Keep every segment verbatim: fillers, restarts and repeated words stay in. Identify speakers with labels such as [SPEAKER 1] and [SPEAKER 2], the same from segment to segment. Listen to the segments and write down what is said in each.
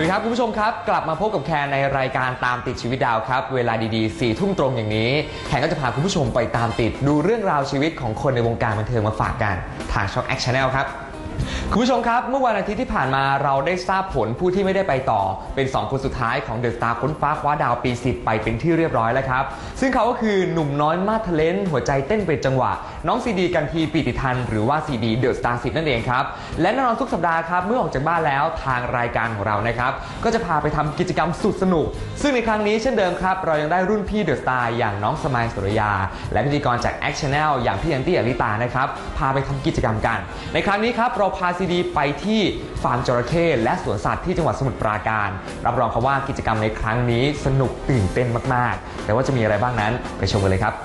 [SPEAKER 1] วัสดีครับคุณผู้ชมครับกลับมาพบกับแคนในรายการตามติดชีวิตดาวครับเวลาดีๆสี่ทุ่มตรงอย่างนี้แคนก็จะพาคุณผู้ชมไปตามติดดูเรื่องราวชีวิตของคนในวงการบันเทิงมาฝากกันทางช่อง Act Channel ครับคุณผู้ชมครับเมื่อวันอาทิตย์ที่ผ่านมาเราได้ทราบผลผู้ที่ไม่ได้ไปต่อเป็นสองคนสุดท้ายของเดอะสตาร์ค้นฟ้าคว้าดาวปีสิบไปเป็นที่เรียบร้อยแล้วครับซึ่งเขาก็คือหนุ่มน้อยมาดทะเลนหัวใจเต้นเป็นจังหวะน้องซีดีกันทีปิติทันหรือว่าซีดีเดอะสตาร์สิบนั่นเองครับและแน่นอนทุกสัปดาห์ครับเมื่อออกจากบ้านแล้วทางรายการของเรานะครับก็จะพาไปทำกิจกรรมสุดสนุกซึ่งในครั้งนี้เช่นเดิมครับเรายังได้รุ่นพี่เดอะสตาร์อย่างน้องสมัยสุริยาและพิธีกรจาก Act Channel อย่างพี่ยันตี้อลิตานะครับพาไปทำกิจกรรมกันในครั้งนี้ครับเราพาซีดีไปที่ฟาร์มจระเข้และสวนสัตว์ที่จังหวัดสมุทรปราการรับรองครับว่ากิจกรรมในครั้งนี้สนุกตื่นเต้นมากๆแต่ว่าจะมีอะไรบ้างนั้นไปชมกันเลยครับ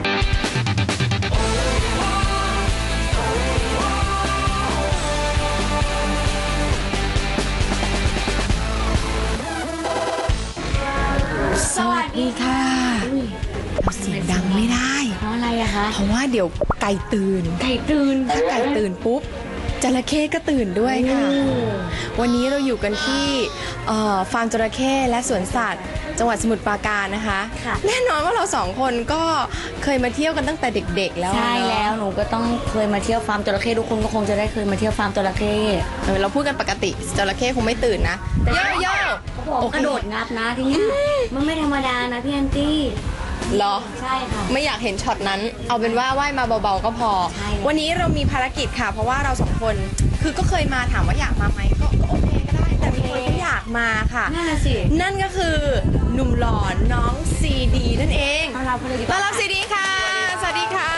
[SPEAKER 2] สวัสดีค่ะเสียงดังไม่ได้
[SPEAKER 3] เพราะอะไรอะคะ
[SPEAKER 2] เพราะว่าเดี๋ยวไก่ตื่น
[SPEAKER 3] ไก่ตื่น
[SPEAKER 2] ถ้าไก่ตื่นปุ๊บจระเข้ก็ตื่นด้วยค่ะวันนี้เราอยู่กันที่ฟาร์มจระเข้และสวนสัตว์จังหวัดสมุทรปราการนะคะแน่นอนว่าเราสองคนก็เคยมาเที่ยวกันตั้งแต่เด็กๆแล้ว
[SPEAKER 3] ใช่แล้วหนูก็ต้องเคยมาเที่ยวฟาร์มจระเข้ทุกคนก็คงจะได้เคยมาเที่ยวฟาร์มจระเข้
[SPEAKER 2] เราพูดกันปกติจระเข้คงไม่ตื่นนะเย่เย่
[SPEAKER 3] กระโดดงับนะที่นี่มันไม่ธรรมดานะพี่แอนตี้
[SPEAKER 2] เหรอ
[SPEAKER 3] ใช่ค่ะ
[SPEAKER 2] ไม่อยากเห็นช็อตนั้นเอาเป็นว่าว่ายมาเบาๆก็พอวันนี้เรามีภารกิจค่ะเพราะว่าเราสองคนคือก็เคยมาถามว่าอยากมาไหมก็โอเคก็ได้แต่มีคนก็อยากมาค่ะ
[SPEAKER 3] นั่นน่ะสิ
[SPEAKER 2] นั่นก็คือหนุ่มหล่อน้องซีดีนั่นเอง
[SPEAKER 3] ต้อนรับเลยดีกว่า
[SPEAKER 2] ต้อนรับซีดีค่ะสวัสดีค่ะ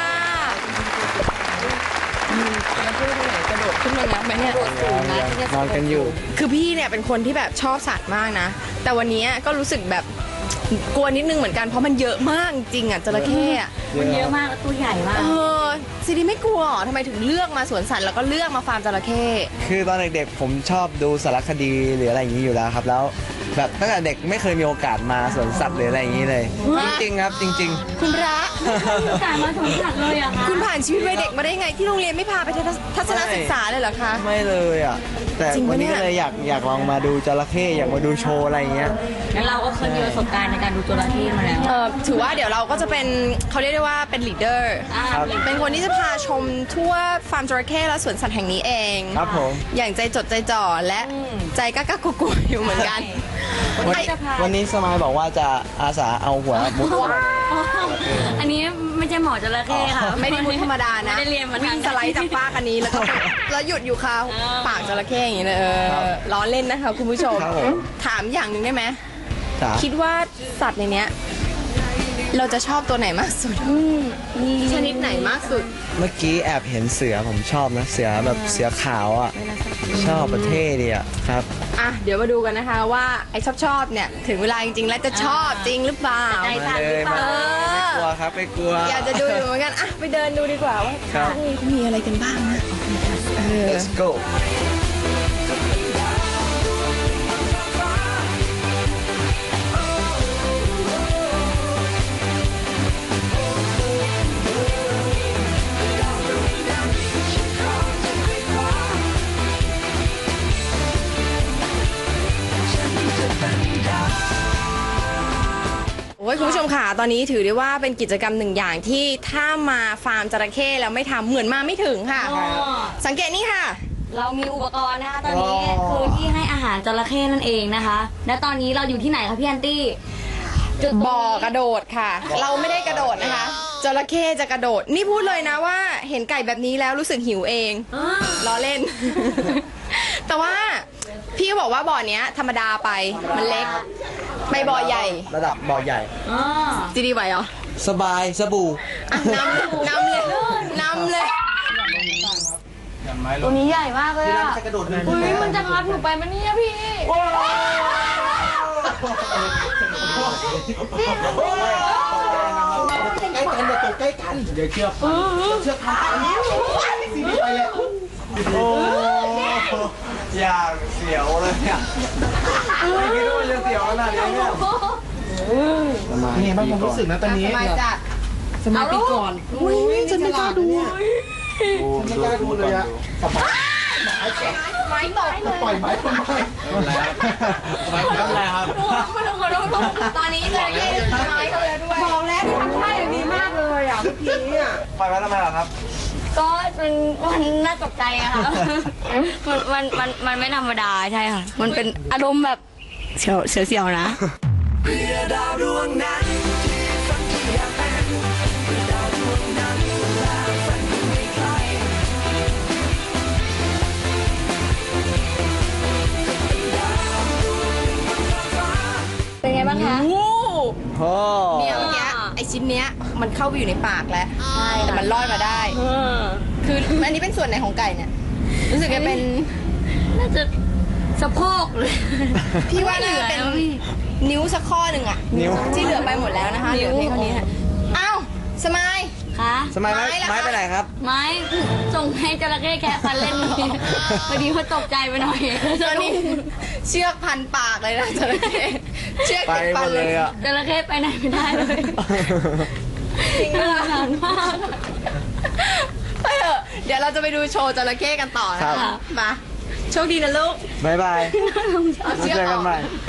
[SPEAKER 2] แล้วพูดไปไหนกระโดดขึ้นมางับไหมเนี่ย
[SPEAKER 4] นอนกันอยู่
[SPEAKER 2] คือพี่เนี่ยเป็นคนที่แบบชอบสัตว์มากนะแต่วันนี้ก็รู้สึกแบบกลัวนิดนึงเหมือนกันเพราะมันเยอะมากจริงอ่ะจระเข้อะ
[SPEAKER 3] มันเยอะมากแล้วตัวใหญ่มาก
[SPEAKER 2] เออซีดีไม่กลัวทำไมถึงเลือกมาสวนสัตว์แล้วก็เลือกมาฟาร์มจระเข้
[SPEAKER 4] คือตอนเด็กๆผมชอบดูสารคดีหรืออะไรอย่างนี้อยู่แล้วครับแล้วแบบตั้งแต่เด็กไม่เคยมีโอกาสมาสวนสัตว์หรืออะไรอย่างนี้เลยจริงๆครับจริง
[SPEAKER 2] ๆคุณพระ
[SPEAKER 3] มีโอกาสมาสวนสัตว์เลยอะคะ
[SPEAKER 2] คุณผ่านชีวิตวัยเด็กมาได้ไงที่โรงเรียนไม่พาไปทัศนศึกษาเลยเหรอคะ
[SPEAKER 4] ไม่เลยอ่ะแต่วันนี้ก็เลยอยากอยากลองมาดูจระเข้อยากมาดูโชว์อะไรอย่างเงี้ย
[SPEAKER 3] งั้นเราก็เคยมีประสบการณ์ในการดูจระเข้มาแล้ว
[SPEAKER 2] เออถือว่าเดี๋ยวเราก็จะเป็นเขาเรียกได้ว่าเป็นลีดเดอร์เป็นคนที่จะพาชมทั่วฟาร์มจระเข้และสวนสัตว์แห่งนี้เอง
[SPEAKER 4] ครับผม
[SPEAKER 2] อย่างใจจดใจจ่อและใจกล้ากลัวๆอยู่เหมือนกัน
[SPEAKER 4] วันนี้สมายบอกว่าจะอาสาเอาหัวมุด
[SPEAKER 3] อันนี้ไม่ใช่หมอจระเข้ค่ะ
[SPEAKER 2] ไม่ได้มุดธรรมดานะ
[SPEAKER 3] ไม่ได้เรียนมา
[SPEAKER 2] วิ่งสไลด์จากปากอันนี้แล้วก็แล้วหยุดอยู่ค่ะปากจระเข้อย่างนี้เลยล้อเล่นนะคะคุณผู้ชมถามอย่างหนึ่งได้ไหมคิดว่าสัตว์ในเนี้ยเราจะชอบตัวไหนมากสุดชนิดไหนมากสุด
[SPEAKER 4] เมื่อกี้แอบเห็นเสือผมชอบนะเสือแบบเสือขาวอ่ะชอบประเทศดีอ่ะครับ
[SPEAKER 2] อ่ะเดี๋ยวมาดูกันนะคะว่าไอ้ชอบชอบเนี่ยถึงเวลาจริงๆแล้วจะชอบจริงหรือเปล่า
[SPEAKER 3] ใจสั่นหรือเปล่า
[SPEAKER 4] ไม่กลัวครับไม่กลัว
[SPEAKER 2] อยากจะดูอยู่เหมือนกันอ่ะไปเดินดูดีกว่าว่าข้างนี้เขามีอะไรกันบ้างนะ
[SPEAKER 4] Let's go
[SPEAKER 2] โอ้ยคุณผู้ชมค่ะตอนนี้ถือได้ว่าเป็นกิจกรรมหนึ่งอย่างที่ถ้ามาฟาร์มจระเข้แล้วไม่ทำเหมือนมาไม่ถึงค่ะสังเกตนี่ค่ะ
[SPEAKER 3] เรามีอุปกรณ์นะคะตอนนี้คือที่ให้อาหารจระเข้นั่นเองนะคะและตอนนี้เราอยู่ที่ไหนคะพี่แอนตี้
[SPEAKER 2] บ่อกระโดดค่ะเราไม่ได้กระโดดนะคะจระเข้จะกระโดดนี่พูดเลยนะว่าเห็นไก่แบบนี้แล้วรู้สึกหิวเองล้อเล่นแต่ว่าพี่ก็บอกว่าบ่อนี้ธรรมดาไปมันเล็กไปบ่อใหญ่
[SPEAKER 4] ระดับบ่อใหญ่
[SPEAKER 2] จีดีไหวเหรอ
[SPEAKER 4] สบายสบู่
[SPEAKER 2] นำนำเลยนำเลย
[SPEAKER 3] ตัวนี้ใหญ่มากเลยอ่ะอุ้ยมันจะงับหนูไปมันเนี่ยพี่
[SPEAKER 4] ใกล้กันเดี๋ยวตัวใกล้กันเดี๋ยวเชือกเชือกขาดนิ้วสีนี้ไปเลยโอ้อย่างเสียวเลยเนี่ยไม่คิดว่าจะเสียวขนาดนี้เนี่ยนี่บ้างผมรู้สึกนะตอนนี้
[SPEAKER 2] สมัยจัด
[SPEAKER 4] สมัยปีก่อนอุ้ยฉันไม่กล้าดูฉันไม่กล้าดูเลยอะ
[SPEAKER 2] ไม้ตก
[SPEAKER 4] ปล่อยไม้ทำไมไม่เป็นไรครับไม่เป็นไรครับ
[SPEAKER 2] ตอนนี้จระเข้ไม้เขาแล้วด้วยบอกแล้วทำท่าอย่างนี้มากเลยอ่ะเมื่อกี้อ่ะ
[SPEAKER 4] ปล่อยไม้ทำไมล่ะครับ
[SPEAKER 3] ก็มันมันน่าตกใจอะค่ะ มันมันมันมันไม่ธรรมดาใช่ค่ะ มันเป็นอารมณ์แบบเสียวเสียวเสียวนะ เป็นไงบ้างคะ
[SPEAKER 2] โอ้
[SPEAKER 4] โอ้
[SPEAKER 2] เนี่ยเมื่อกี้ไอชิ้นเนี้ยมันเข้าไปอยู่ในปากแล้ว
[SPEAKER 3] ใช่
[SPEAKER 2] แต่มันลอยมาได้ คืออันนี้เป็นส่วนไหนของไก่เนี่ย รู้สึกจะเป็น
[SPEAKER 3] น่าจะสะโพกเลย
[SPEAKER 2] พี่ว่าน่าจะเป็นนิ้วสักข้อหนึ่งอะ
[SPEAKER 4] นิ้ว
[SPEAKER 2] ที่เหลือไปหมดแล้วนะคะเหลือเพียงเท่านี้ค่ะอ้าวสมาย
[SPEAKER 3] คะ
[SPEAKER 4] สมัยไม้
[SPEAKER 2] ไม้ล่ะ
[SPEAKER 4] ไม้ไปไหนครับ
[SPEAKER 3] ไม้ส่งให้จระเข้แคะฟันเล่นพอดีพอตกใจไปหน่อย
[SPEAKER 2] ตอนนี้เชือกพันปากเลยนะจระเข้เชือก
[SPEAKER 4] ไป
[SPEAKER 2] ติด
[SPEAKER 4] หม
[SPEAKER 2] ฟัน
[SPEAKER 4] ด
[SPEAKER 2] เล
[SPEAKER 4] เลย ยอ่ะ
[SPEAKER 3] จระเข้ไปไหนไม่ได้เลย
[SPEAKER 2] จริง
[SPEAKER 3] น่า
[SPEAKER 2] นะ
[SPEAKER 3] สงสารมาก
[SPEAKER 2] ไปเถอะเดี๋ยวเราจะไปดูโชว์จระเข้กันต่อนะคะมาโชคดีนะลูก
[SPEAKER 4] บ๊ายบาย
[SPEAKER 2] เอา
[SPEAKER 4] มา
[SPEAKER 2] เชือก
[SPEAKER 4] เจอ
[SPEAKER 2] อ
[SPEAKER 4] กั
[SPEAKER 2] อน ก
[SPEAKER 4] ใหม่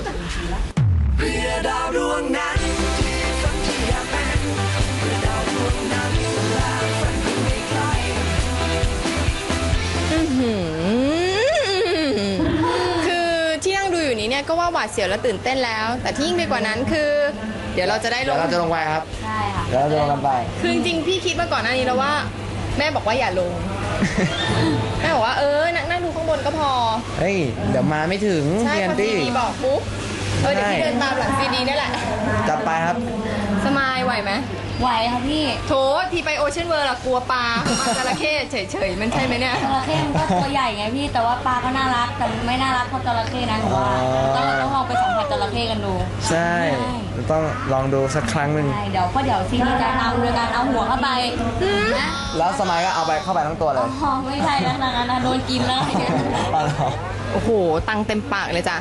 [SPEAKER 2] คือที่นั่งดูอยู่นี้เนี่ยก็ว่าหวาดเสียวและตื่นเต้นแล้ว แต่ที่ยิ่งไปกว่านั้นคือ เดี๋ยวเราจะได้ล
[SPEAKER 4] เดี๋ยว
[SPEAKER 2] ง
[SPEAKER 4] เราจะลงไปครับ
[SPEAKER 3] ใช่ค่ะ
[SPEAKER 4] เดี๋ยวเราจะลงกันไป
[SPEAKER 2] คือจริงๆพี่คิดมาก่อนหน้านี้แล้วว่า แม่บอกว่าอย่าลง แม่บอกว่าเออนั่งนั่งดูข้างบนก็พอ
[SPEAKER 4] เฮ้ย เดี๋ยวมาไม่ถึง
[SPEAKER 2] ใช่
[SPEAKER 4] พี่แอ
[SPEAKER 2] พอน ซี
[SPEAKER 4] ตี้
[SPEAKER 2] ดีบอกปุ๊บเออเดี๋ยวพี่
[SPEAKER 4] ใช่
[SPEAKER 2] เดินตามหลังซีดีนี่แหละ
[SPEAKER 4] จัดไปครับ
[SPEAKER 2] สมายไหวไหม
[SPEAKER 3] ไหวค่ะพี่
[SPEAKER 2] โถทีไปโอเชียนเวิร์ละกลัวปลามาจระเข้เฉยๆมันใช่ไหมเนี่ย
[SPEAKER 3] จระเข้มันก็ตัวใหญ่ไงพี่ แต่ว่าปลาก็น่ารัก แต่ไม่น่ารักเท่าจระเข้นะหนูว่า
[SPEAKER 4] อ๋อ
[SPEAKER 3] ต้องต้องลองไปสัมผัสจระเข้กันดู
[SPEAKER 4] ใช่
[SPEAKER 3] ใช่
[SPEAKER 4] ต้องลองดูสักครั้งหนึ่ง
[SPEAKER 3] ใช่เดี๋ยวก็เดี๋ยวซีนีจะนำโดยการเอาหัวเข้าไปนะ
[SPEAKER 4] แล้วสมัยก็เอาไปเข้าไปทั้งตัวเลย
[SPEAKER 3] อ๋อไม่ใช่แล้วนะนะโดนกินแล้วอะไรเงี้ย
[SPEAKER 4] เอาเหรอ
[SPEAKER 2] โอ้โห ตังเต็มปากเลยจ้ะ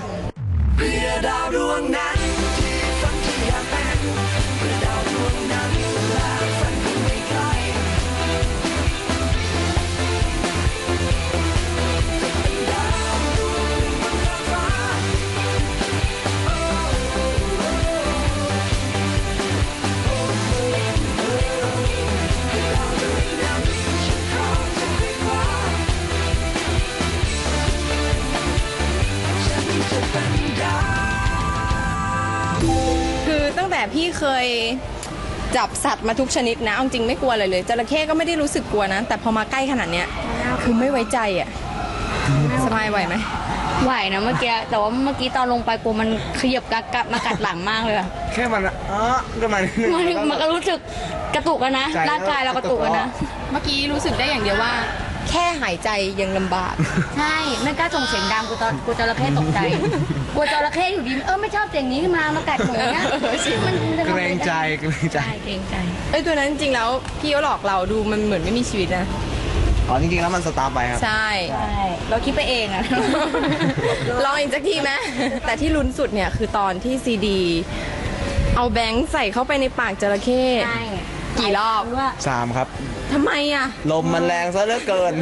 [SPEAKER 2] คือตั้งแต่พี่เคยจับสัตว์มาทุกชนิดนะเอาจริงไม่กลัวอะไรเลยจระเข้ก็ไม่ได้รู้สึกกลัวนะ แต่พอมาใกล้ขนาดเนี้ยคือไม่ไว้ใจอ่ะสบายไหวไหม
[SPEAKER 3] ไหวนะเมื่อกี้ แต่ว่าเมื่อกี้ตอนลงไปกลัวมันขยับกักกัดมากัดหลังมากเลยอะ
[SPEAKER 4] แค่มันอะอ๋อก็มันดนึง
[SPEAKER 3] มันมันก็รู้สึกกระตุกอะนะ
[SPEAKER 4] ใจ
[SPEAKER 3] ร่างกายเรากระตุกอะนะ
[SPEAKER 2] เมื่อกี้รู้สึกได้อย่างเดียวว่า แค่หายใจยังลำบาก
[SPEAKER 3] ใช่ไม่กล้าส่งเสียงดังกูตอนกูจระเข้ตกใจกลัวจระเข้อยู่ดีเออไม่ชอบเสียงนี้ขึ้นมามากัดหนูเนี้ยมันจะ
[SPEAKER 4] เกรงใจเกรงใจ
[SPEAKER 3] ใช่เกรงใจ
[SPEAKER 2] เอ้ยตัวนั้นจริงๆแล้วพี่เขาหลอกเราดูมันเหมือนไม่มีชีวิตนะ
[SPEAKER 4] อ๋อจริงๆแล้วมันสตาร์ทไปครับ
[SPEAKER 2] ใช่
[SPEAKER 3] ใช่เราคิดไปเองอะ
[SPEAKER 2] ลองอีกสักทีไหมแต่ที่ลุ้นสุดเนี่ยคือตอนที่ซีดี เอาแบงค์ใส่เข้าไปในปากจระเข้
[SPEAKER 3] ใช่
[SPEAKER 2] กี่รอบ
[SPEAKER 3] ว่า
[SPEAKER 4] สามครับ
[SPEAKER 2] ทำไมอ่ะ
[SPEAKER 4] ลมมันแรงซะเหลือเกิน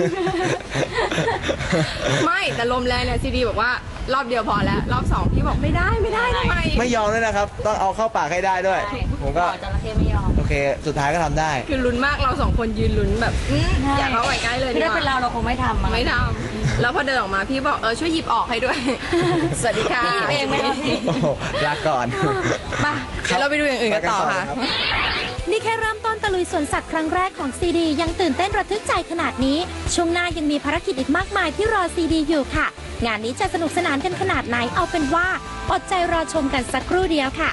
[SPEAKER 2] ไม่แต่ลมแรงเนี่ยซีดีบอกว่ารอบเดียวพอแล้ว รอบสองพี่บอกไม่ได้ไม่ได้ทำไม
[SPEAKER 4] ไม่ยอมด้วยนะครับ ต้องเอาเข้าปากให้ได้ด้วย
[SPEAKER 3] ใช่
[SPEAKER 4] ผมก็
[SPEAKER 3] จระเข้ไม่ยอม
[SPEAKER 4] โอเค สุดท้ายก็ทำได้
[SPEAKER 2] คือลุ้นมากเราสองคนยืนลุ้นแบบอื้ออยากเข้าไปใกล้เลย
[SPEAKER 3] คือ
[SPEAKER 2] ดี
[SPEAKER 3] ถ้าก เป็นเรา
[SPEAKER 2] ว่า
[SPEAKER 3] เราคงไม่ทำอะ
[SPEAKER 2] ไม่ทำแล้วพอเดินออกมาพี่บอกเออช่วยหยิบออกให้ด้วย สวัสดีค่ะ
[SPEAKER 3] พี่หยิบเองไม่ได้
[SPEAKER 4] โอ้โหลาก่อน
[SPEAKER 2] มาเดี๋ยวเราไปดูอย่างอื่นกันต่อค่ะ
[SPEAKER 5] นี่แค่เริ่มต้นตะลุยสวนสัตว์ครั้งแรกของซีดียังตื่นเต้นระทึกใจขนาดนี้ ช่วงหน้ายังมีภารกิจอีกมากมายที่รอซีดีอยู่ค่ะ งานนี้จะสนุกสนานกันขนาดไหนเอาเป็นว่าอดใจรอชมกันสักครู่เดียวค่ะ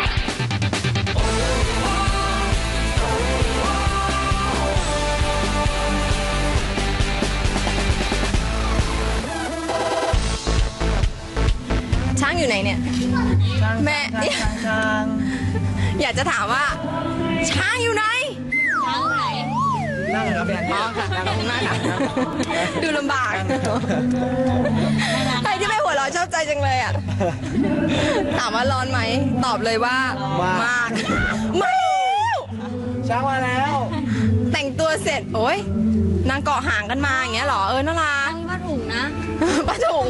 [SPEAKER 2] ช้างอยู่ไหนเนี่ย แม่เนี่ยอยากจะถามว่า ช้างอยู่ไหน
[SPEAKER 3] ช้างไหน
[SPEAKER 4] นั่งครับพี่
[SPEAKER 2] อ๋อค่ะนั่งตรงหน้าค่ะดูลำบากใครที่ไม่หัวเราะชอบใจจังเลยอ่ะ ถามว่าร้อนไหม ตอบเลยว่าม
[SPEAKER 4] าก
[SPEAKER 2] มากไม่แล้ว
[SPEAKER 4] ช้างมาแล้ว
[SPEAKER 2] แต่งตัวเสร็จ โอ้ยนางเกาะหางกันมาอย่างเงี้ยเหรอ เออน่ารัก
[SPEAKER 3] มีวาดถุงนะ
[SPEAKER 2] ปลาถุง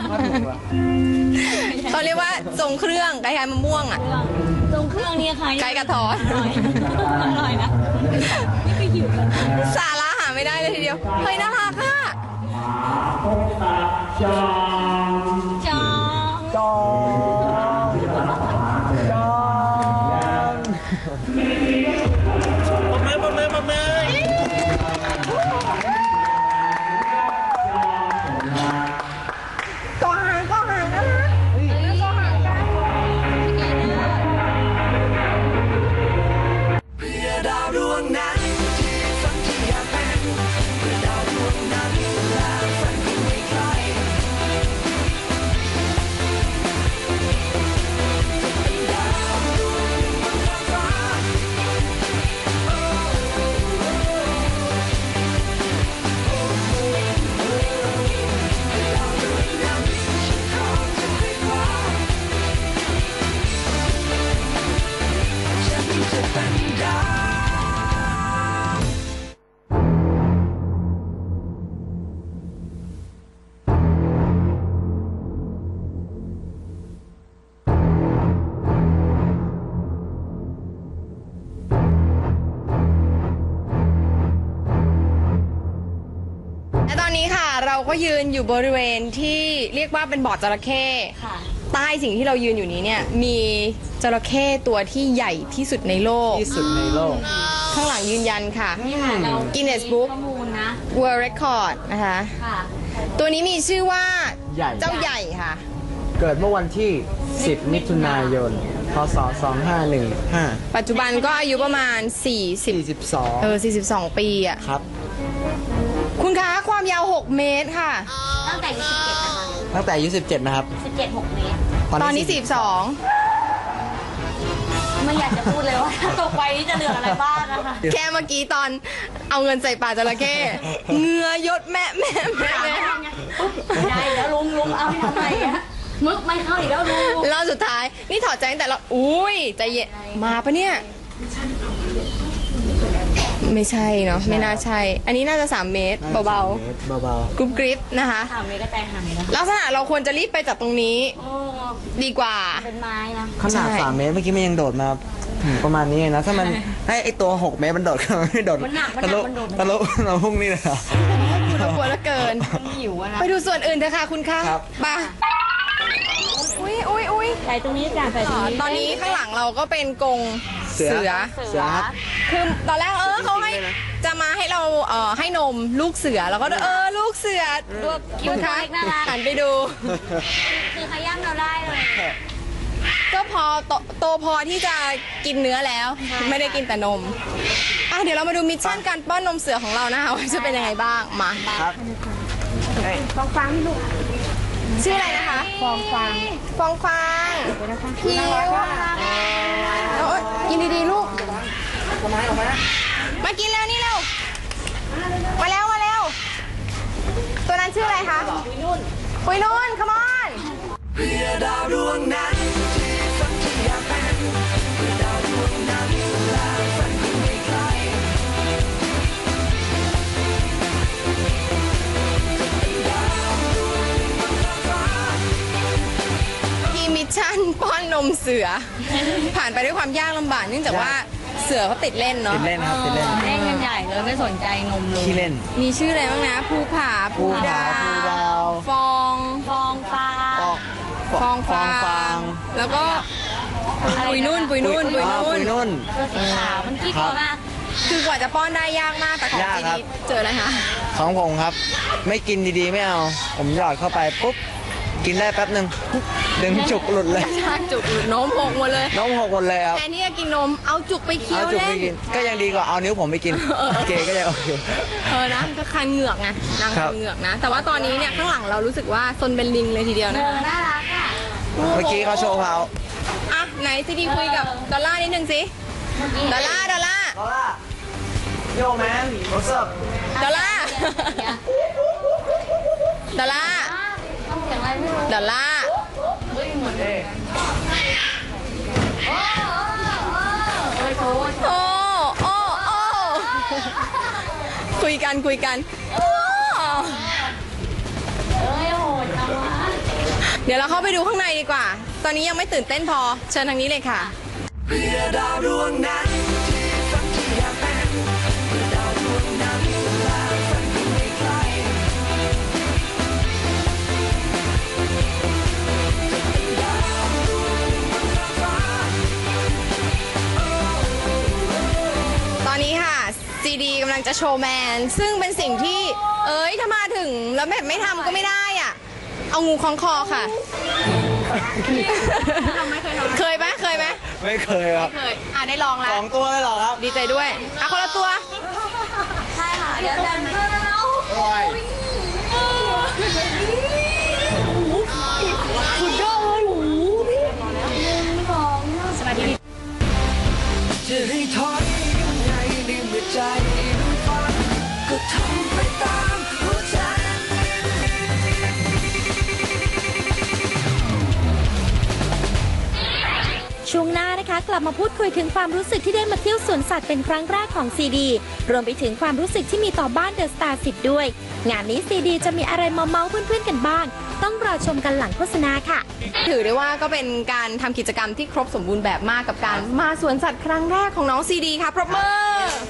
[SPEAKER 2] เขาเรียกว่าทรงเครื่องคล้ายๆมะม่วงอ่ะ
[SPEAKER 3] ตรงเครื่องนี้ค่ะ
[SPEAKER 2] ไก่กระทอน
[SPEAKER 3] อร่อยอร่อยนะนี่ก็หิวแล้ว
[SPEAKER 2] สาระหาไม่ได้เลยทีเดียว เฮ้ยน่ารักอ่ะ
[SPEAKER 3] จอง
[SPEAKER 4] จองจองปะมือปะมือปะมือ
[SPEAKER 2] ก็หางก็หางนะก็หางกัน
[SPEAKER 6] เพื่อดาวดวงนั้นที่ฝันที่อยากเป็นเพื่อดาวดวงนั้นและฝันที่ไม่ไกลเป็นดาวดวงหนึ่งบนท้องฟ้าดาวดวงนั้นฉันขอจะไปคว้าฉันจะเป็นดาว
[SPEAKER 2] และตอนนี้ค่ะเราก็ยืนอยู่บริเวณที่เรียกว่าเป็นบ่อจระเข้
[SPEAKER 3] ค่ะ
[SPEAKER 2] ใต้สิ่งที่เรายืนอยู่นี้เนี่ยมีจระเข้ตัวที่ใหญ่ที่สุดในโลก
[SPEAKER 4] ที่สุดในโลก
[SPEAKER 2] ข้างหลังยืนยันค่ะ
[SPEAKER 3] นี่ค่ะเรา
[SPEAKER 2] Guinness Book
[SPEAKER 3] ข้อมูลนะ
[SPEAKER 2] World Record นะคะ
[SPEAKER 3] ค่ะ
[SPEAKER 2] ตัวนี้มีชื่อว่า
[SPEAKER 4] ใหญ่
[SPEAKER 2] เจ้าใหญ่ค่ะ
[SPEAKER 4] เกิดเมื่อวันที่ สิบ มิถุนายน พศ สองห้าหนึ่งห้า
[SPEAKER 2] ปัจจุบันก็อายุประมาณ สี่สิบ
[SPEAKER 4] สี่สิบสอง
[SPEAKER 2] เออสี่สิบสอง ปีอ่ะ
[SPEAKER 4] ครับ
[SPEAKER 2] คุณคะความยาว หก เมตรค่ะ
[SPEAKER 3] ตั้งแต่อายุสิบเจ็ดนะคะ
[SPEAKER 4] ตั้งแต่อายุสิบเจ็ดนะครับ
[SPEAKER 3] สิบเจ็ดหกเมตร
[SPEAKER 2] ตอนนี้ สี่สิบสอง
[SPEAKER 3] ไม่อยากจะพูดเลยว่าถ้าตกไปนี่จะเหลืออะไรบ้างนะคะ
[SPEAKER 2] แค่เมื่อกี้ตอนเอาเงินใส่ปากจระเข้เหงือยดแม่แม่แม่แม่
[SPEAKER 3] ไม่ได้แล้วลุงลุงเอาให้ทำไมอะมึกไม่เข้าอีกแล้วลุง
[SPEAKER 2] รอบสุดท้าย นี่ถอดใจตั้งแต่เราอุ้ยใจเย็นมาปะเนี่ย ไม่ใช่เนาะไม่น่าใช่ อันนี้น่าจะ สาม เมตร เบา
[SPEAKER 4] เบา
[SPEAKER 2] ๆกรุบกริบนะคะ
[SPEAKER 3] ถามเมตรก็ใจหายนะ
[SPEAKER 2] ลักษณะเราควรจะรีบไปจากตรงนี้
[SPEAKER 3] โอ้
[SPEAKER 2] ดีกว่า
[SPEAKER 3] เป็นไม้นะ
[SPEAKER 4] ๆขนาด
[SPEAKER 2] ใช่
[SPEAKER 4] สามเมตรเมื่อกี้มันยังโดดมาอืมประมาณนี้เองนะ ถ้ามันให้ไอตัวหกเมตรมันโดดก็ไม่โดด
[SPEAKER 3] มันหนักมันห
[SPEAKER 4] ทะ
[SPEAKER 3] นั
[SPEAKER 4] ลุ
[SPEAKER 3] กมันโดด
[SPEAKER 4] ทะลุเราพุ่งนี่เลยเหรอ
[SPEAKER 2] คุณกลัวเหลือเกิน
[SPEAKER 3] มันหิวอะนะ
[SPEAKER 2] ไปดูส่วนอื่นเถอะค่ะคุณคะ
[SPEAKER 4] ครับ
[SPEAKER 2] ไปอุ้ยอุ้ยอุ้ย
[SPEAKER 3] ใส่ตรงนี้จ้ะใส่ตรงนี้
[SPEAKER 2] ตอนนี้ข้างหลังเราก็เป็นกรงเสือ
[SPEAKER 4] เสือครับ
[SPEAKER 2] คือตอนแรกเออเขาให้จะมาให้เราเอ่อให้นมลูกเสือแล้วก็เออลูกเสือดูคุณคะหันไปดู
[SPEAKER 3] คือขย้ำเราได้เลย
[SPEAKER 2] ก็พอโตโตพอที่จะกินเนื้อแล้ว ไม่ได้กินแต่นมอ่ะเดี๋ยวเรามาดูมิชชั่นการป้อนนมเสือของเรานะคะว่าจะเป็นยังไงบ้างมา
[SPEAKER 4] ครับ
[SPEAKER 2] ฟองฟางพี่ลูกชื่ออะไรนะคะฟองฟางฟองฟางพี่โอ้ยกินดีๆลูกมากินแล้วนี่เร็วมาแล้วมาแล้วตัวนั้นชื่ออะไรคะปุยนุ่นปุยนุ่น come on
[SPEAKER 6] เพื่อดาวดวงนั้นที่ฝันที่อยากเป็นเพื่อดาวดวงนั้นและฝันที่ไม่ไกล
[SPEAKER 2] ทีมมิชชั่นป้อนนมเสือ ผ่านไปด้วยความยากลำบากเนื่องจากว่าเสือเขาติดเล่นเนาะ
[SPEAKER 4] ติดเล่นครับติดเล่น
[SPEAKER 3] เล่นกันใหญ่เลยไม่สนใจนมเลย
[SPEAKER 4] ขี้เล่น
[SPEAKER 2] มีชื่ออะไรบ้างนะภูผาภูดา
[SPEAKER 4] ภูดาว
[SPEAKER 2] ฟอง
[SPEAKER 3] ฟองฟ้า
[SPEAKER 4] ออก
[SPEAKER 2] ฟองฟา
[SPEAKER 4] ฟองฟาง
[SPEAKER 2] แล้วก็ปุยนุ่นปุยนุ่นปุย
[SPEAKER 4] อ๋อ
[SPEAKER 2] นุ่
[SPEAKER 4] ปุ
[SPEAKER 2] น
[SPEAKER 4] ยนุ่น
[SPEAKER 3] ตัวสีขาวมันขี้กลัวมาก
[SPEAKER 2] คือกว่าจะป้อนได้ยากมากแต่ของ
[SPEAKER 4] ยาก
[SPEAKER 2] จี
[SPEAKER 4] ครับ
[SPEAKER 2] ดีเจออะไรคะ
[SPEAKER 4] ของผมครับ ไม่กินดีๆไม่เอา ผมหยอดเข้าไปปุ๊บ กินได้แป๊บหนึ่งดึงจุกหลุดเลย
[SPEAKER 2] ชากจุกหรือโน้มหกหมดเลย
[SPEAKER 4] น้องหกหมดเลยครับ
[SPEAKER 2] แทนที่จะกินนมเอาจุกไปเคี้ย
[SPEAKER 4] เอา
[SPEAKER 2] ว
[SPEAKER 4] จุก
[SPEAKER 2] เล่
[SPEAKER 4] ไป
[SPEAKER 2] น
[SPEAKER 4] กิน ก็ยังดีกว่าเอานิ้วผมไปกินเกก็ยังโอเค
[SPEAKER 2] เออนะก็คันเหงือกไงนาง
[SPEAKER 4] ครั
[SPEAKER 2] คั
[SPEAKER 4] บ
[SPEAKER 2] นเหงือกนะ แต่ว่าตอนนี้เนี่ยข้างหลังเรารู้สึกว่าซนเป็นลิงเลยทีเดียว
[SPEAKER 3] เอ
[SPEAKER 2] นะ
[SPEAKER 3] อ
[SPEAKER 2] คะ
[SPEAKER 3] น่ารักอ่ะ
[SPEAKER 4] เมื่อกี้เขาโชว์เขา
[SPEAKER 2] อ่ะไหนซีดีคุยกับดอลล่าร์นิดนึงสิดอลล่าร์ดอลล่าร์
[SPEAKER 4] ลอล่าโยแมนโรสบ
[SPEAKER 2] ดอลล่าร์ดอลล่าร์
[SPEAKER 3] ต้องเสียงอะไรไม่รู้
[SPEAKER 2] ดอลล่าร์ โอ้โอ้โอ้คุยกันคุยกันโอ้เดี๋ยวเราเข้าไปดูข้างในดีกว่า ตอนนี้ยังไม่ตื่นเต้นพอ เชิญทางนี้เลยค่ะ
[SPEAKER 6] เพื่อดาวดวงนั้นที่ฝันที่อยากเป็นเพื่อดาวดวงนั้นและฝันที่ไม่ไกลดาวดวงบนท้องฟ้า
[SPEAKER 2] ตอนนี้ค่ะซีดีกำลังจะโชว์แมน ซึ่งเป็นสิ่งที่ เอ้ยถ้ามาถึงแล้วแบบไม่ทำก็ไม่ได้อ่ะ เอางูคล้องคอค่ะ เคยไหมเคยไหม
[SPEAKER 4] ไม่เคยครับ
[SPEAKER 2] เคย อ่ะได้ลอง
[SPEAKER 4] ส
[SPEAKER 2] แล้ว
[SPEAKER 4] องตัวเลยเหรอครับ
[SPEAKER 2] ดีใจด้วย อ่ะคนละตัว
[SPEAKER 3] ใช่ค่ะ เดี๋ยวจะ
[SPEAKER 4] โอ้ย
[SPEAKER 3] สุดยอดเลยโอ้โหสวัสดี
[SPEAKER 6] จะให้ถอยยังไงในเมื่อใจมันฝันก็ทำไปตามหัวใจ
[SPEAKER 5] ช่วงหน้านะคะกลับมาพูดคุยถึงความรู้สึกที่ได้มาเที่ยวสวนสัตว์เป็นครั้งแรกของซีดีรวมไปถึงความรู้สึกที่มีต่อบ้านเดอะสตาร์สิบด้วย งานนี้ซีดีจะมีอะไรมาเมาส์เพื่อนๆกันบ้าง ต้องรอชมกันหลังโฆษณาค่ะ
[SPEAKER 2] ถือได้ว่าก็เป็นการทำกิจกรรมที่ครบสมบูรณ์แบบมากกับการมาสวนสัตว์ครั้งแรกของน้องซีดีค่ะปรบมือ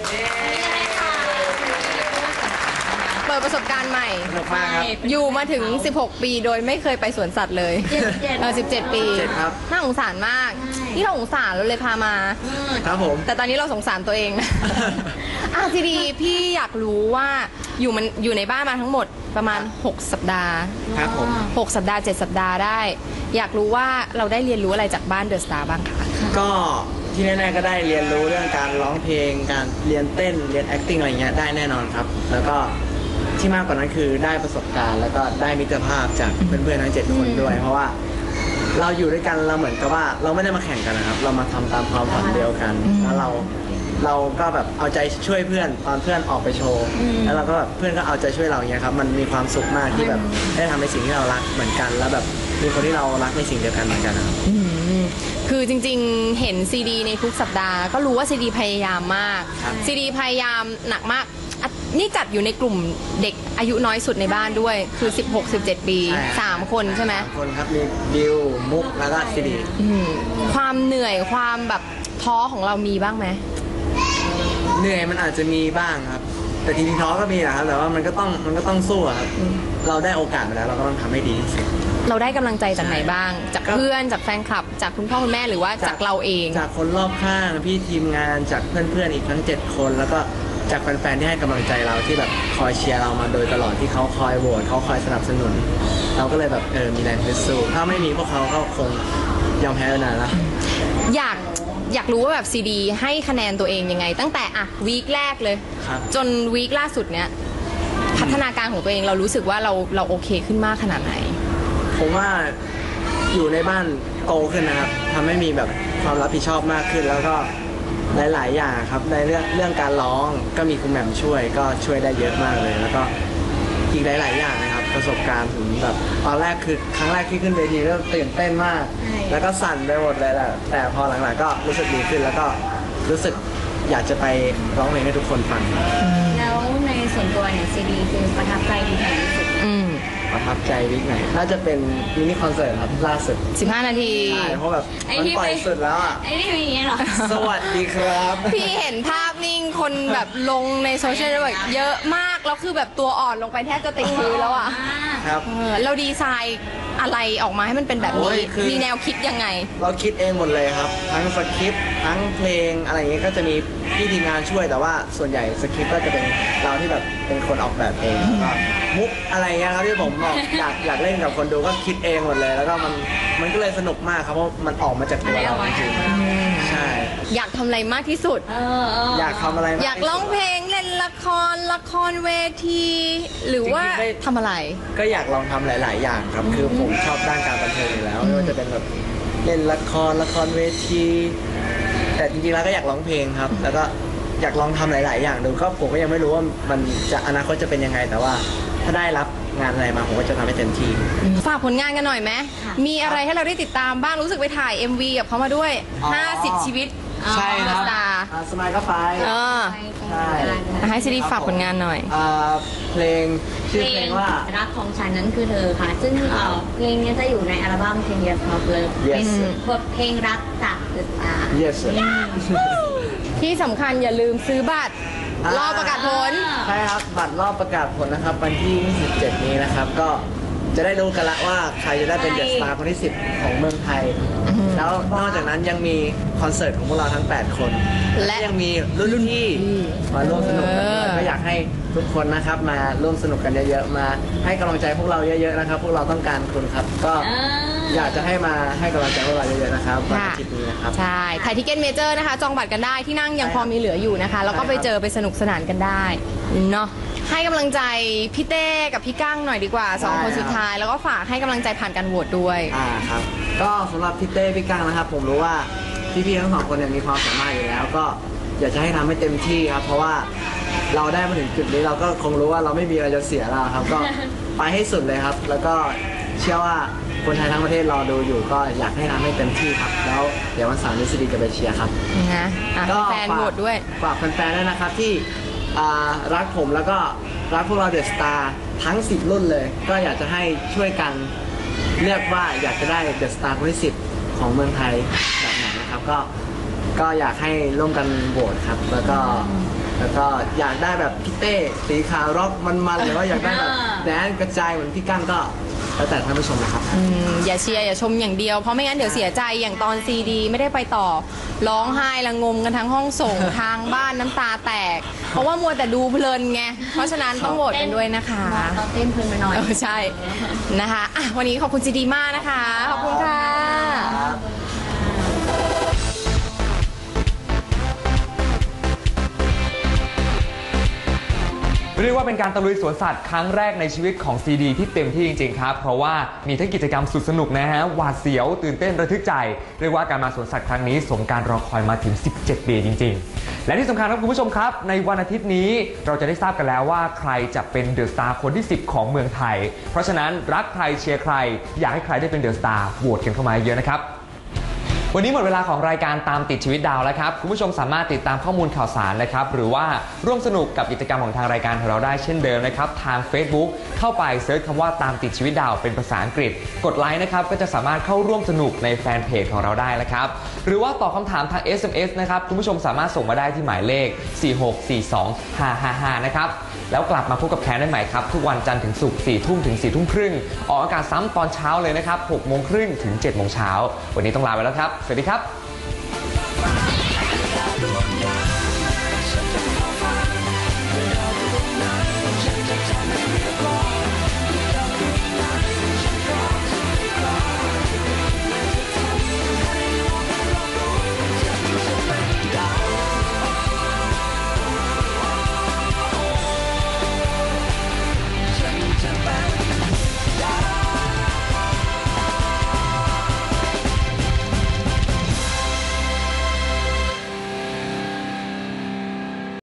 [SPEAKER 2] เปิดประสบการณ์ใหม่
[SPEAKER 4] สนุกมากครับ
[SPEAKER 2] อยู่มาถึง สิบหก ปีโดยไม่เคยไปสวนสัตว์เลยเออสิบเจ็ด ปี
[SPEAKER 4] เจ็ดครับ
[SPEAKER 2] น่าสงสารมาก ที่เราสงสารเราเลยพามา
[SPEAKER 4] ครับผม
[SPEAKER 2] แต่ตอนนี้เราสงสารตัวเองนะ อ่ะทีดีพี่อยากรู้ว่าอยู่มันอยู่ในบ้านมาทั้งหมดประมาณ หก สัปดาห์
[SPEAKER 4] ครับผม
[SPEAKER 2] หก สัปดาห์ เจ็ด สัปดาห์ได้ อยากรู้ว่าเราได้เรียนรู้อะไรจากบ้านเดอะสตาร์บ้างคะ
[SPEAKER 4] ก็ที่แน่ๆก็ได้เรียนรู้เรื่องการร้องเพลง การเรียนเต้น เรียน acting อะไรเงี้ยได้แน่นอนครับ แล้วก็ที่มากกว่านั้นคือได้ประสบการณ์ แล้วก็ได้มิตรภาพจากเพื่อนๆทั้งเจ็ดคนด้วย เพราะว่าเราอยู่ด้วยกันเราเหมือนกับว่าเราไม่ได้มาแข่งกันนะครับ เรามาทำตามความฝันเดียวกัน แล้วเราเราก็แบบเอาใจช่วยเพื่อนตอนเพื่อนออกไปโชว์ แล้วเราก็แบบเพื่อนก็เอาใจช่วยเราอย่างเงี้ยครับ มันมีความสุขมากที่แบบได้ทำในสิ่งที่เรารักเหมือนกัน แล้วแบบมีคนที่เรารักในสิ่งเดียวกันเหมือนกันนะครับ
[SPEAKER 2] คือจริงๆ เห็นซีดีในทุกสัปดาห์ก็รู้ว่าซีดีพยายามมาก
[SPEAKER 4] ครับ
[SPEAKER 2] ซีดีพยายามหนักมากอ่ะนี่จัดอยู่ในกลุ่มเด็กอายุน้อยสุดในบ้านด้วย คือ สิบหก สิบเจ็ด ปี
[SPEAKER 4] ใช่
[SPEAKER 2] สาม คนใช่ไหม
[SPEAKER 4] สามคนครับมีบิวมุกแล้วก็ซีดี
[SPEAKER 2] อืมความเหนื่อยความแบบท้อของเรามีบ้างไหม
[SPEAKER 4] เหนื่อยมันอาจจะมีบ้างครับ แต่จริงๆท้อก็มีนะครับแต่ว่ามันก็ต้องมันก็ต้องสู้อะครับเราได้โอกาสมาแล้วเราก็ต้องทำให้ดีที่สุด
[SPEAKER 2] เราได้กำลังใจจากไหนบ้าง จาก
[SPEAKER 4] ก็
[SPEAKER 2] เพื่อนจากแฟนคลับ จากคุณพ่อคุณแม่หรือว่าจากเราเอง
[SPEAKER 4] จากคนรอบข้างพี่ทีมงานจากเพื่อนๆอีกทั้งเจ็ดคนแล้วก็จากแฟนๆที่ให้กำลังใจเราที่แบบคอยเชียร์เรามาโดยตลอดที่เขาคอยโหวตเขาคอยสนับสนุน เราก็เลยแบบเออมีแรงฮึดสู้ถ้าไม่มีพวกเขาก็คงยอมแพ้ไปนานแล้ว
[SPEAKER 2] อยากอยากรู้ว่าแบบซีดีให้คะแนนตัวเองยังไง ตั้งแต่อะวีคแรกเลย
[SPEAKER 4] ครับ
[SPEAKER 2] จนวีคล่าสุดเนี้ยพัฒนาการของตัวเองเรารู้สึกว่าเราเราโอเคขึ้นมากขนาดไหน
[SPEAKER 4] ผมว่าอยู่ในบ้านโตขึ้นนะครับทำให้มีแบบความรับผิดชอบมากขึ้น แล้วก็หลาย ๆ อย่างครับในเรื่องเรื่องการร้องก็มีคุณแหม่มช่วยก็ช่วยได้เยอะมากเลย แล้วก็อีกหลาย ๆ อย่างนะครับประสบการณ์ผมแบบตอนแรกคือครั้งแรกที่ขึ้นเวทีก็ตื่นเต้นมาก แล้วก็สั่นไปหมดเลยแหละแต่พอหลัง ๆ ก็รู้สึกดีขึ้น แล้วก็รู้สึกอยากจะไปร้องเพลงให้ทุกคนฟัง
[SPEAKER 3] แล้วในส่วนตัวเนี่ยซีดีคือประทับใจดีที่สุด
[SPEAKER 2] อืม
[SPEAKER 4] ประทับใจวิกไหนน่าจะเป็นมินิคอนเสิร์ตครับล่าสุด
[SPEAKER 2] สิบห้า นาที
[SPEAKER 4] ใช่เพราะแบบ
[SPEAKER 3] ไอ้
[SPEAKER 4] มัน
[SPEAKER 3] ที่
[SPEAKER 4] ปล่อย
[SPEAKER 3] ไป
[SPEAKER 4] สุดแล้วอ่ะ
[SPEAKER 3] ไอ้นี่มีอย่างเงี้ยเหรอ
[SPEAKER 4] สวัสดีครับ
[SPEAKER 2] พี่เห็นภาพนิ่งคนแบบลงในโซเชียลเน็ตเวิร์กเยอะมากแล้วคือแบบตัวอ่อนลงไปแทบจะติดพื้นแล้วอ่ะ
[SPEAKER 4] ครับ
[SPEAKER 2] เออเราดีไซน์อะไรออกมาให้มันเป็นแบบ
[SPEAKER 4] โอ้
[SPEAKER 2] นี้
[SPEAKER 4] ยคือ
[SPEAKER 2] มีแนวคิดยังไง
[SPEAKER 4] เราคิดเองหมดเลยครับ ทั้งสคริปต์ทั้งเพลงอะไรอย่างเงี้ยก็จะมีพี่ทีมงานช่วยแต่ว่าส่วนใหญ่สคริปต์ก็จะเป็นเราที่แบบเป็นคนออกแบบเองแล้วก็มุกอะไรเงี้ยครับที่ผมบอกอยากอยากเล่นกับคนดูก็คิดเองหมดเลย แล้วก็มันมันก็เลยสนุกมากครับเพราะมันออกมาจากตัวเราจริงๆใช่
[SPEAKER 2] อยากทำอะไรมากที่สุด
[SPEAKER 3] เออเออ
[SPEAKER 4] อยากทำอะไรม
[SPEAKER 2] อยากร้องเพลงเล่นละครละครเวที หรือว่าทำอะไร
[SPEAKER 4] ก็อยากลองทำหลาย ๆ อย่างครับ คือผมชอบด้านการบันเทิงอยู่แล้วไม่ว่าจะเป็นแบบเล่นละครละครเวที แต่จริงๆแล้วก็อยากร้องเพลงครับ แล้วก็อยากลองทำหลาย ๆ อย่างดูก็ผมก็ยังไม่รู้ว่ามันจะอนาคตจะเป็นยังไง แต่ว่าถ้าได้รับงานอะไรมาผมก็จะทำให้เต็มที่
[SPEAKER 2] ฝากผลงานกันหน่อยไหมมีอะไรให้เราได้ติดตามบ้างรู้สึกไปถ่าย เอ็ม วี กับเขามาด้วย
[SPEAKER 4] อ๋อ
[SPEAKER 2] ห้าสิบ ชีวิต
[SPEAKER 4] ใช่ครับ
[SPEAKER 2] สตาร์
[SPEAKER 4] อ่าสมัยก็ไป
[SPEAKER 2] เออ
[SPEAKER 4] ใช่
[SPEAKER 2] ให้ซีดีฝากผลงานหน่อย
[SPEAKER 4] อ่าเพลงชื่อ
[SPEAKER 3] เพ
[SPEAKER 4] เพ
[SPEAKER 3] ล
[SPEAKER 4] ล
[SPEAKER 3] ง
[SPEAKER 4] งว่า
[SPEAKER 3] รักของฉันนั้นคือเธอค่ะ ซึ่งเอ่อเพลงนี้จะอยู่ในอัลบั้ม Ten Years of Love
[SPEAKER 4] Yes
[SPEAKER 3] เป็นบทเพลงรักจาก The Star
[SPEAKER 4] yes
[SPEAKER 2] ที่สำคัญอย่าลืมซื้อบัตร
[SPEAKER 4] อ่าร
[SPEAKER 2] อประกาศผล
[SPEAKER 4] ใช่ครับบัตรรอบประกาศผลนะครับวันที่ยี่สิบเจ็ดนี้นะครับ ก็จะได้รู้กันละว่าใครจะได้เป็นเดอะสตาร์คนที่สิบของเมืองไทย แล้วนอกจากนั้นยังมีคอนเสิร์ตของพวกเราทั้งแปดคน
[SPEAKER 2] และ
[SPEAKER 4] ยังมีรุ่นพี่มาร่วมสนุกกันด้วย
[SPEAKER 2] เออ
[SPEAKER 4] ก็อยากให้ทุกคนนะครับมาร่วมสนุกกันเยอะๆมาให้กำลังใจพวกเราเยอะๆนะครับ พวกเราต้องการคุณครับ ก็อยากจะให้มาให้กำลังใจพวกเราเยอะๆนะครับวันอาทิตย์นี้นะครับ
[SPEAKER 2] ใช่ไทยทิเก็ตเมเจอร์นะคะ จองบัตรกันได้ที่นั่งยังพอมีเหลืออยู่นะคะ แล้วก็ไปเจอไปสนุกสนานกันได้เนาะให้กำลังใจพี่เต้กับพี่ก้างหน่อยดีกว่าสองคนสุดท้าย แล้วก็ฝากให้กำลังใจผ่านการโหวตด้วย
[SPEAKER 4] อ่าครับก็สำหรับพี่เต้พี่กังนะครับ ผมรู้ว่าพี่ๆทั้งสองคนเนี่ยมีความสามารถอยู่แล้ว ก็อยากจะให้ทำให้เต็มที่ครับ เพราะว่าเราได้มาถึงจุดนี้เราก็คงรู้ว่าเราไม่มีอะไรจะเสียแล้วครับ ก็ไปให้สุดเลยครับ แล้วก็เชื่อว่าคนไทยทั้งประเทศรอดูอยู่ ก็อยากให้ทำให้เต็มที่ครับ แล้วเดี๋ยววันเสาร์นี้ซีดีจะไปเชียร์ครับ
[SPEAKER 2] นะอ่ะ
[SPEAKER 4] ก็
[SPEAKER 2] แฟนโหวตด้วย
[SPEAKER 4] ฝากแฟนๆด้วยนะครับที่อ่ารักผมแล้วก็รักพวกเราเดอะสตาร์ทั้งสิบรุ่นเลย ก็อยากจะให้ช่วยกันเลือกว่าอยากจะได้เดอะสตาร์คนที่สิบของเมืองไทยแบบไหนนะครับ ก็ก็อยากให้ร่วมกันโหวตครับ แล้วก็แล้วก็อยากได้แบบพี่เต้สีขาวร็อกมันๆหรือว่าอยากได้แบบแดนกระจายเหมือนพี่กั้งก็แล้วแต่ท่านผู้ชมนะครับ
[SPEAKER 2] อืมอย่าเชียร์อย่าชมอย่างเดียว เพราะไม่งั้นเดี๋ยวเสียใจอย่างตอนซีดีไม่ได้ไปต่อ ร้องไห้ละงมกันทั้งห้องส่ง ทางบ้านน้ำตาแตก เพราะว่ามัวแต่ดูเพลินไง เพราะฉะนั้นต้องโหวตกันด้วยนะคะ
[SPEAKER 3] เราเต้นเพลินไปหน่อย
[SPEAKER 2] เออใช่นะคะอ่ะวันนี้ขอบคุณซีดีมากนะคะ ขอบคุณค่ะ
[SPEAKER 1] เรียกว่าเป็นการตะลุยสวนสัตว์ครั้งแรกในชีวิตของซีดีที่เต็มที่จริงๆครับเพราะว่ามีทั้งกิจกรรมสุดสนุกนะฮะหวาดเสียวตื่นเต้นระทึกใจเรียกว่าการมาสวนสัตว์ครั้งนี้สมการรอคอยมาถึงสิบเจ็ดปีจริงๆและที่สำคัญครับคุณผู้ชมครับในวันอาทิตย์นี้เราจะได้ทราบกันแล้วว่าใครจะเป็นเดอะสตาร์คนที่สิบของเมืองไทยเพราะฉะนั้นรักใครเชียร์ใครอยากให้ใครได้เป็นเดอะสตาร์โหวตกันเข้ามาเยอะนะครับวันนี้หมดเวลาของรายการตามติดชีวิตดาวแล้วครับคุณผู้ชมสามารถติดตามข้อมูลข่าวสารนะครับหรือว่าร่วมสนุกกับกิจกรรมของทางรายการของเราได้เช่นเดิมนะครับทาง Facebook เข้าไปเซิร์ชคำว่าตามติดชีวิตดาวเป็นภาษาอังกฤษกดไลค์นะครับก็จะสามารถเข้าร่วมสนุกในแฟนเพจของเราได้แล้วครับหรือว่าตอบคำถามทาง เอส เอ็ม เอส นะครับคุณผู้ชมสามารถส่งมาได้ที่หมายเลขสี่หกสี่สองห้าห้าห้านะครับแล้วกลับมาพบกับแคนได้ใหม่ครับทุกวันจันทร์ถึงศุกร์สี่ทุ่มถึงสี่ทุ่มครึ่งออกอากาศซ้ำตอนเช้าเลยนะครับหกโมงครึ่งถึงเจ็ดโมงเช้าวันนี้ต้องลาไปแล้วครับสวัสดีครับ